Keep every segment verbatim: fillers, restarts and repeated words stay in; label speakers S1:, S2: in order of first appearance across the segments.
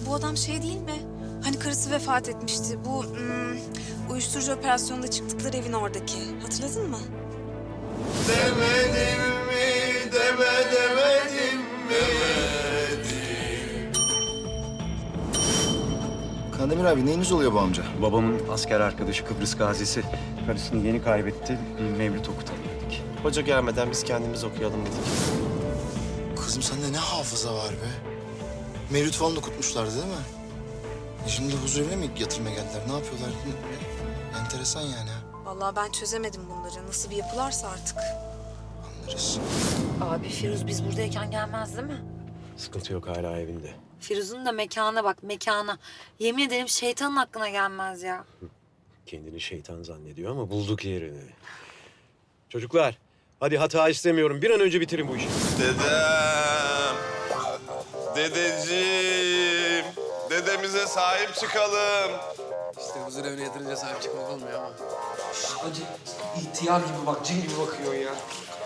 S1: bu adam şey değil mi? Hani karısı vefat etmişti. Bu hmm, uyuşturucu operasyonunda çıktıkları evin oradaki. Hatırladın mı?
S2: Demedim mi, deme demedim mi?
S3: Kandemir abi neyiniz oluyor bu amca?
S4: Babamın asker arkadaşı Kıbrıs gazisi. Karısını yeni kaybetti. Bir mevlüt okutalım dedik.
S2: Hoca gelmeden biz kendimiz okuyalım dedik.
S3: Kızım sende ne hafıza var be? Mevlüt falan da kutmuşlardı değil mi? E şimdi huzurevine mi yatırmaya geldiler? Ne yapıyorlar? Ne- Enteresan yani ha.
S1: Vallahi ben çözemedim bunları. Nasıl bir yapılarsa artık.
S3: Anlarız.
S5: Abi Firuz biz buradayken gelmez değil mi?
S4: Sıkıntı yok, hala evinde.
S5: Firuz'un da mekana bak, mekana. Yemin ederim şeytanın aklına gelmez ya.
S4: Kendini şeytan zannediyor ama bulduk yerini. Çocuklar, hadi hata istemiyorum. Bir an önce bitirin bu işi.
S2: Dedem, dedeciğim, dedemize sahip çıkalım.
S6: İşte huzur evine yatırınca sahip çıkmak olmuyor ama. Hacı ihtiyar gibi bak, cin gibi bakıyor ya.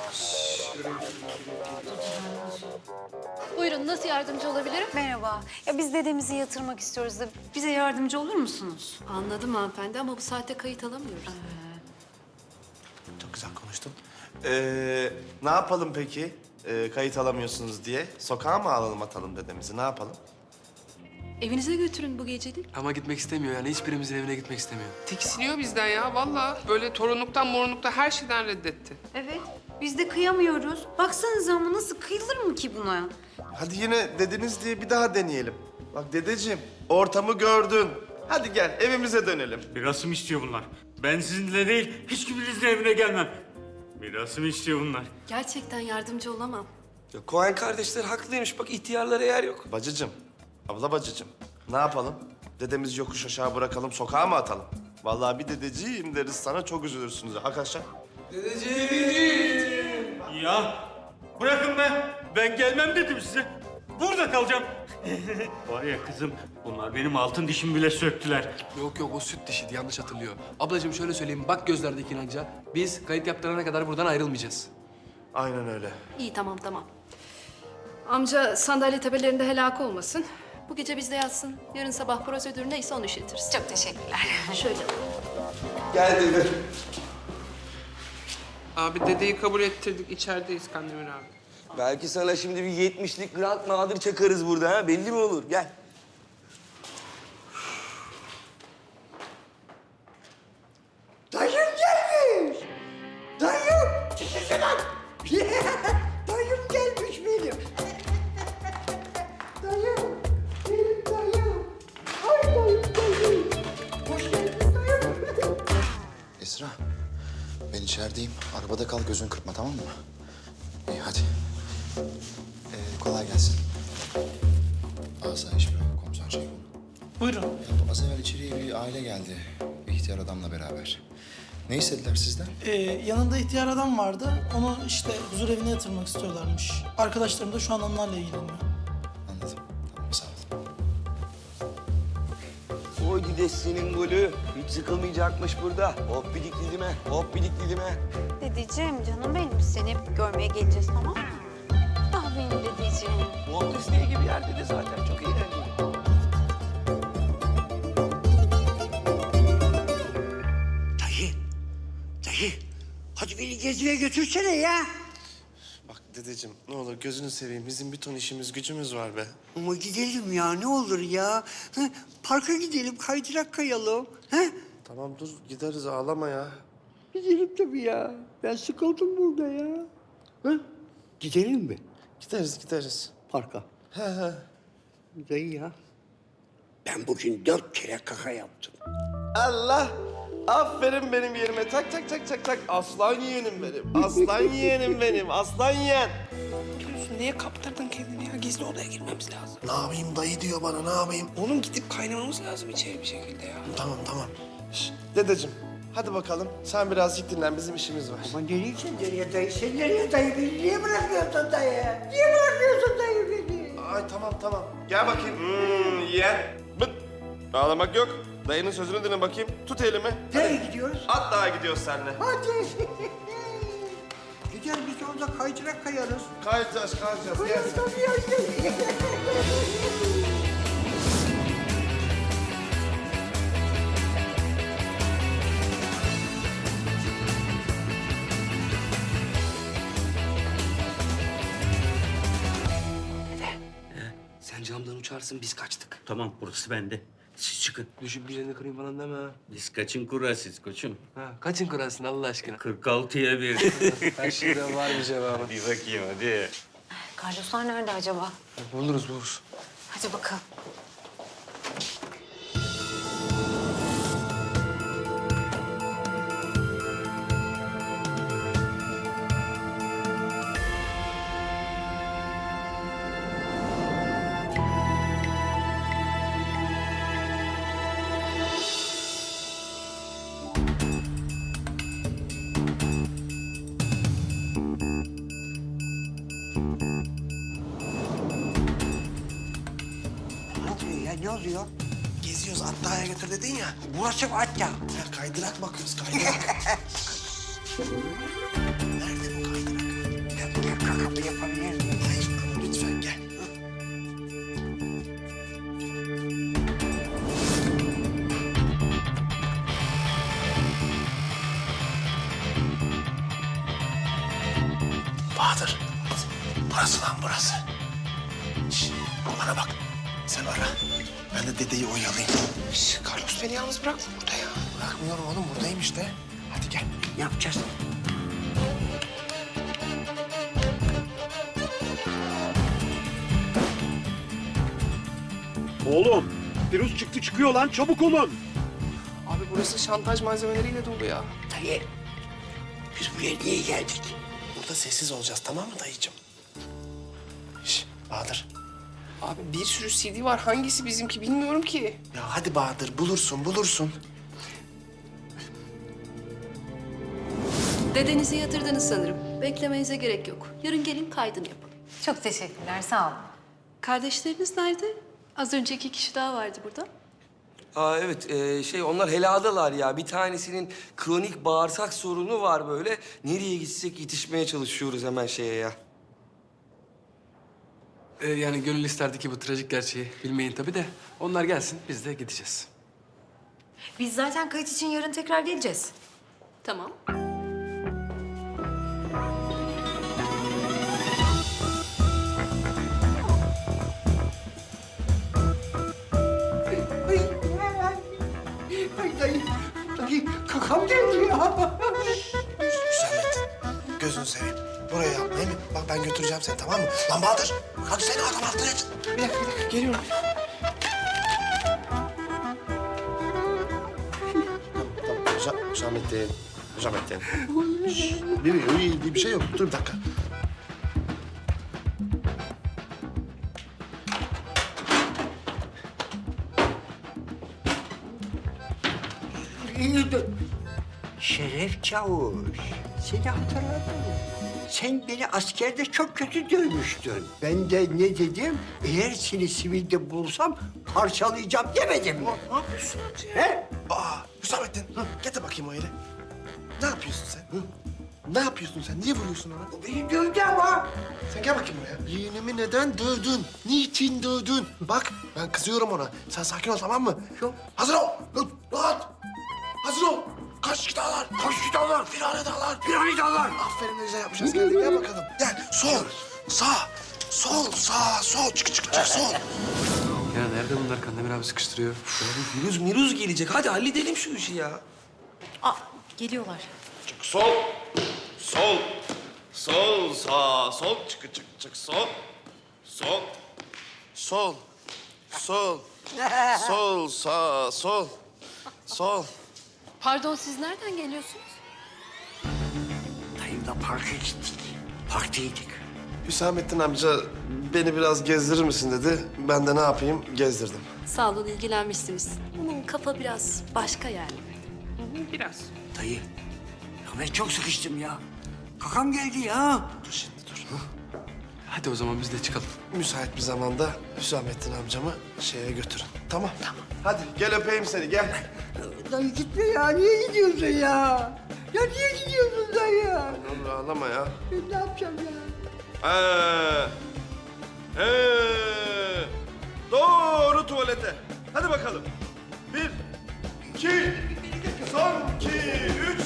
S7: Buyurun, nasıl yardımcı olabilirim?
S5: Merhaba. Ya biz dedemizi yatırmak istiyoruz da bize yardımcı olur musunuz?
S7: Anladım hanımefendi ama bu saatte kayıt alamıyoruz.
S2: Çok güzel konuştun. Ee, ne yapalım peki? Ee, kayıt alamıyorsunuz diye. Sokağa mı alalım atalım dedemizi? Ne yapalım?
S7: Evinize götürün bu gecelik.
S6: Ama gitmek istemiyor yani, hiçbirimizin evine gitmek istemiyor.
S8: Tiksiniyor bizden ya vallahi. Böyle torunluktan morunluktan her şeyden reddetti.
S5: Evet. Biz de kıyamıyoruz. Baksanıza ama nasıl kıyılır mı ki buna?
S2: Hadi yine dediniz diye bir daha deneyelim. Bak dedeciğim, ortamı gördün. Hadi gel evimize dönelim.
S9: Mirasımı istiyor bunlar. Ben sizinle değil, hiç kiminizin evine gelmem. Mirasımı istiyor bunlar.
S7: Gerçekten yardımcı olamam.
S6: Ya Cohen kardeşler haklıymış, bak ihtiyarlara yer yok.
S2: Bacıcığım, abla bacıcığım. Ne yapalım? Dedemizi yokuş aşağı bırakalım, sokağa mı atalım? Vallahi bir dedeciğim deriz sana, çok üzülürsünüz. Arkadaşlar.
S9: Ya bırakın be. Ben gelmem dedim size. Burada kalacağım. Var ya kızım, bunlar benim altın dişimi bile söktüler.
S6: Yok yok, o süt dişiydi, yanlış hatırlıyor. Ablacığım şöyle söyleyeyim, bak gözlerdeki inanca. Biz kayıt yaptırana kadar buradan ayrılmayacağız.
S2: Aynen öyle.
S7: İyi tamam tamam. Amca sandalye tepelerinde helak olmasın. Bu gece bizde yatsın. Yarın sabah prosedür neyse onu işletiriz.
S5: Çok teşekkürler.
S7: Şöyle.
S2: Gel dede.
S8: Abi dedeyi kabul ettirdik. İçerideyiz Kandemir abi.
S10: Belki sana şimdi bir yetmişlik Grand Nadir çakarız burada ha. Belli mi olur? Gel.
S11: Dayım gelmiş. Dayım. Çekilsene lan. Dayım gelmiş benim. Dayım. Benim dayım. Ay dayım dayım. Hoş geldin dayım.
S3: Esra, ben içerideyim. Arabada kal, gözün kırpma tamam mı? İyi hadi. Ee, kolay gelsin. Asayiş Bırak, Komiser Ceyhun.
S11: Buyurun.
S3: Ya, az evvel içeriye bir aile geldi. Bir ihtiyar adamla beraber. Ne istediler sizden?
S11: Ee, yanında ihtiyar adam vardı. Onu işte huzur evine yatırmak istiyorlarmış. Arkadaşlarım da şu an onlarla ilgileniyor.
S3: Anladım. Tamam, sağ ol.
S10: Oy dedesinin golü. Hiç sıkılmayacakmış burada. Hop bidik didime, hop bidik didime.
S5: Dedeciğim canım benim seni hep görmeye geleceğiz tamam mı? Ah benim dedeciğim.
S10: Walt Disney gibi yerde de zaten çok eğlenceli.
S11: Dayı. Dayı. Hadi beni geziye götürsene ya.
S2: Bak dedeciğim, ne olur gözünü seveyim. Bizim bir ton işimiz gücümüz var be.
S11: Ama gidelim ya ne olur ya. Hı, parka gidelim kaydırak kayalım. Ha?
S2: Tamam dur, gideriz ağlama ya.
S11: Gidelim tabii ya. Ben sıkıldım burada ya. Ha? Gidelim mi
S2: Gideriz, gideriz.
S11: parka?
S2: He he.
S11: Dayı ya. Ben bugün dört kere kaka yaptım.
S2: Allah! Aferin benim yerime. Tak tak tak tak tak. Aslan yeğenim benim. Aslan yeğenim benim. Aslan yeğen.
S8: Diyorsun niye kaptırdın kendini ya? Gizli odaya girmemiz lazım.
S2: Ne yapayım dayı diyor bana, ne yapayım?
S8: Oğlum gidip kaynamamız lazım içeri bir şekilde ya.
S2: Tamam tamam. Şş, dedeciğim hadi bakalım. Sen birazcık dinlen, bizim işimiz var.
S11: Ama nereye sen nereye dayı? Sen nereye dayı beni? Niye bırakmıyorsun dayı? Niye bırakmıyorsun dayı beni?
S2: Ay tamam tamam. Gel bakayım. Hmm, yeğen. Bıt. Ağlamak yok. Dayının sözünü dinle bakayım. Tut elimi.
S11: Nereye gidiyoruz?
S2: At daha gidiyoruz seninle.
S11: Hadi. Gider biz orada kaydırak kayarız.
S2: Kayacağız kayacağız. Gel.
S11: Kayarız tabii ya.
S10: kırarsın, biz kaçtık.
S9: Tamam burası bende. Siz çıkın.
S6: Düşüp bir yerini kırayım falan deme ha.
S9: Biz kaçın kura siz koçum?
S6: Ha, kaçın kırarsın Allah aşkına?
S9: kırk altıya bir.
S6: Her şeyden var bir cevabı.
S9: Hadi bakayım hadi.
S5: Carloslar nerede acaba?
S6: Buluruz buluruz.
S5: Hadi bakalım.
S10: Ne oluyor ya, ne oluyor?
S3: Geziyoruz, Atta'ya götür dedin ya.
S10: Burası Hatta.
S3: Ya kaydırak bakıyoruz, kaydırak. Nerede bu kaydırak?
S10: Ya, ya kakamı yapabilir miyim?
S3: Hayır, ama lütfen gel. Bahadır, burası lan burası. Şş, bana bak, sen ara. Ben de dedeyi oyalayayım. Şş, Carlos beni yalnız bırakma burada ya. Bırakmıyorum oğlum, buradayım işte. Hadi gel.
S10: Ne yapacağız?
S4: Oğlum, virüs çıktı çıkıyor lan, çabuk olun.
S6: Abi burası şantaj malzemeleriyle dolu ya.
S10: Dayı, biz buraya niye geldik?
S3: Burada sessiz olacağız, tamam mı dayıcığım? Şş, Bahadır.
S8: Abi bir sürü C D var. Hangisi bizimki bilmiyorum ki.
S3: Ya hadi Bahadır, bulursun, bulursun.
S7: Dedenizi yatırdınız sanırım. Beklemenize gerek yok. Yarın gelin kaydını yapalım.
S5: Çok teşekkürler, sağ olun.
S7: Kardeşleriniz nerede? Az önce iki kişi daha vardı burada.
S10: Aa evet, ee, şey onlar heladalar ya. Bir tanesinin kronik bağırsak sorunu var böyle. Nereye gitsek yetişmeye çalışıyoruz hemen şeye ya.
S6: Ee, yani gönül isterdi ki bu trajik gerçeği bilmeyin tabii de. Onlar gelsin, biz de gideceğiz.
S5: Biz zaten kayıt için yarın tekrar geleceğiz.
S7: Tamam.
S10: Ay dayı, dayı kakam geldi ya.
S3: Hüsamettin, gözünü seveyim. Buraya yapma, değil mi? Bak ben götüreceğim seni, tamam mı? Lan Bahadır, hadi seni adam altına et.
S6: Bir dakika, bir dakika. Geliyorum.
S2: Tamam, Hüsa- Hüsamettin. Hüsamettin. Şşş, bir, bir, bir, bir şey yok. Dur bir dakika.
S10: Şeref Çavuş, seni hatırladım. Sen beni askerde çok kötü dövmüştün. Ben de ne dedim? Eğer seni sivilde bulursam parçalayacağım demedim mi?
S3: Ne yapıyorsun?
S10: He?
S3: Aa, Hüsamettin, hı, getir bakayım o yere. Ne yapıyorsun sen? Hı? Ne yapıyorsun sen? Niye vuruyorsun ona?
S10: O beni dövdü ama.
S3: Sen gel bakayım buraya. Yeğenimi neden dövdün? Niçin dövdün? Bak, ben kızıyorum ona. Sen sakin ol, tamam mı?
S10: Yok.
S3: Hazır ol. Hı, Rahat. Hazır ol. Kaç dağlar? Kaç dağlar? Firane dağlar. Firane dağlar. Aferin, güzel yapmışsın. Gel, gel bakalım. Gel, sol, sağ, sol, sağ, sol. Çık, çık, çık, sol.
S6: Ya nerede bunlar? Kandemir abi sıkıştırıyor.
S10: Ya Firuz Miruz gelecek. Hadi halledelim şu işi ya.
S5: Aa, geliyorlar.
S2: Çık sol. Sol. Sol, sağ, sol. Çık, çık, çık, sol. Sol. Sol. Sol. Sol, sağ, sol. Sol.
S7: Pardon, siz nereden geliyorsunuz?
S10: Dayımla parka gittik. Parktaydık.
S2: Hüsamettin amca beni biraz gezdirir misin dedi. Ben de ne yapayım? Gezdirdim.
S7: Sağ olun, ilgilenmişsiniz. Bunun kafa biraz başka yani.
S8: Biraz.
S10: Dayı, ya ben çok sıkıştım ya. Kakam geldi ya.
S2: Dur şimdi dur.
S6: Hadi o zaman biz de çıkalım.
S2: Müsait bir zamanda Hüsamettin amcamı şeye götürün. Tamam. Tamam. Hadi gel öpeyim seni gel.
S10: Dayı gitme ya. Niye gidiyorsun ya? Ya niye gidiyorsun dayı?
S2: Ne olur ağlama ya.
S10: Ben ne yapacağım ya?
S2: Ee, ee, doğru tuvalete. Hadi bakalım. Bir, iki, son iki, üç.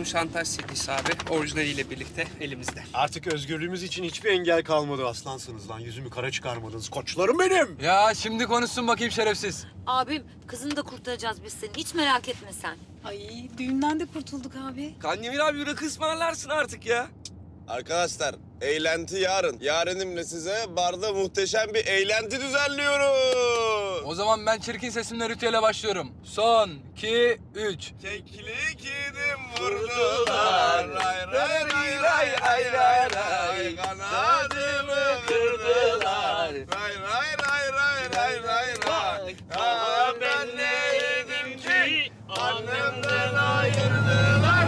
S8: şantaj C D'si abi. Orijinaliyle birlikte elimizde.
S4: Artık özgürlüğümüz için hiçbir engel kalmadı aslansınız lan. Yüzümü kara çıkarmadınız. Koçlarım benim.
S6: Ya şimdi konuşsun bakayım şerefsiz.
S12: Abim kızını da kurtaracağız biz seni. Hiç merak etme sen.
S1: Ay düğünden de kurtulduk abi.
S6: Kandemir abi bir rakı ısmarlarsın artık ya.
S2: Arkadaşlar, eğlenti yarın. Yarınimle size barda muhteşem bir eğlenti düzenliyoruz.
S6: O zaman ben çirkin sesimle ritüele başlıyorum. Son, iki, üç.
S2: Keklik yedim vurdular. Ray ray ray ray ray ray ray. Kanadımı kırdılar. Ray ray ray ray ray ray ray. Aa, ben ne yedim ki annemden ayırdılar.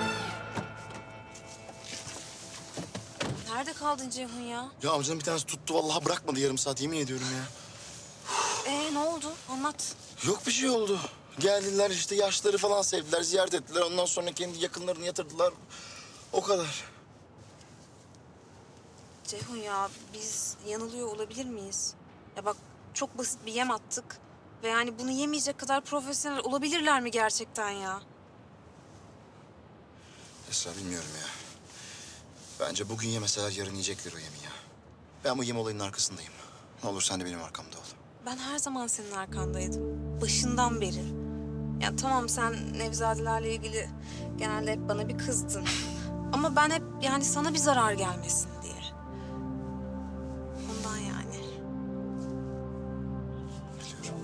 S1: Nerede kaldın Ceyhun ya?
S3: Ya amcanın bir tanesi tuttu vallahi bırakmadı yarım saat yemin ediyorum ya.
S1: Ee ne oldu? Anlat.
S3: Yok bir şey oldu. Geldiler işte yaşları falan sevdiler, ziyaret ettiler. Ondan sonra kendi yakınlarını yatırdılar. O kadar.
S1: Ceyhun ya biz yanılıyor olabilir miyiz? Ya bak çok basit bir yem attık. Ve yani bunu yemeyecek kadar profesyonel olabilirler mi gerçekten ya?
S3: Esra bilmiyorum ya. Bence bugün yemeseler yarın yiyecekler o yemi ya. Ben bu yem olayının arkasındayım. Ne olur sen de benim arkamda ol.
S1: Ben her zaman senin arkandaydım. Başından beri. Ya tamam sen Nevzadelerle ilgili genelde hep bana bir kızdın. Ama ben hep yani sana bir zarar gelmesin diye. Ondan yani.
S3: Biliyorum.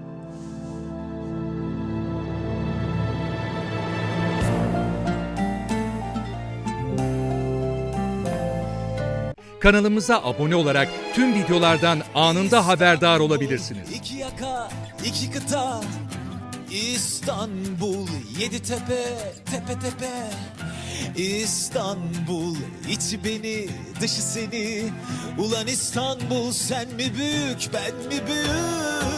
S13: Kanalımıza abone olarak tüm videolardan anında haberdar olabilirsiniz.
S14: İki yaka, iki kıta, İstanbul, yedi tepe, tepe tepe. İstanbul, içi beni, dışı seni. Ulan İstanbul, sen mi büyük, ben mi büyük?